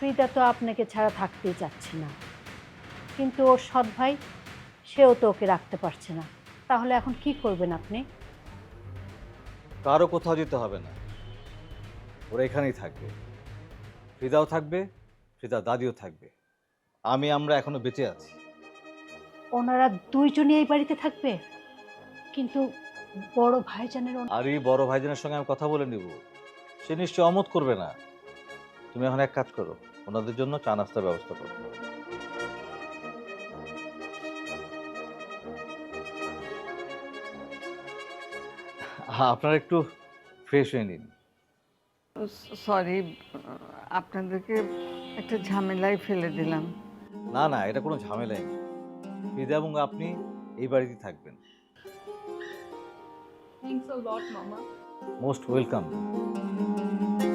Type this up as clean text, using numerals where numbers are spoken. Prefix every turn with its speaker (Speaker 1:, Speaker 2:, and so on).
Speaker 1: ফ্রিদা তো আপনাকে ছাড়া থাকতেই চাচ্ছে না, কিন্তু ওর সৎ ভাই সেও তো ওকে রাখতে পারছে না। তাহলে এখন কি করবেন আপনি?
Speaker 2: কারো কোথাও যেতে হবে না, ওরা এখানেই থাকবে। ফিদাও থাকবে, ফিদার দাদিও থাকবে। আমরা এখনো বেঁচে আছি।
Speaker 1: ওনারা দুইজনই এই বাড়িতে থাকবে? কিন্তু বড় ভাইজানের
Speaker 2: আর এই বড় ভাইজানের সঙ্গে আমি কথা বলে নিব, সে নিশ্চয় অমত করবে না। তুমি এখন এক কাজ করো, ওনাদের জন্য চা নাস্তার ব্যবস্থা করো। আপনারা একটু ফ্রেশ হয়ে নিন।
Speaker 3: সরি, আপনাদেরকে একটা ঝামেলায় ফেলে দিলাম।
Speaker 2: না না, এটা কোনো ঝামেলাই নেই। ফিদা এবং আপনি এই বাড়িতেই থাকবেন।
Speaker 4: Thanks a lot, Mama.
Speaker 2: Most welcome.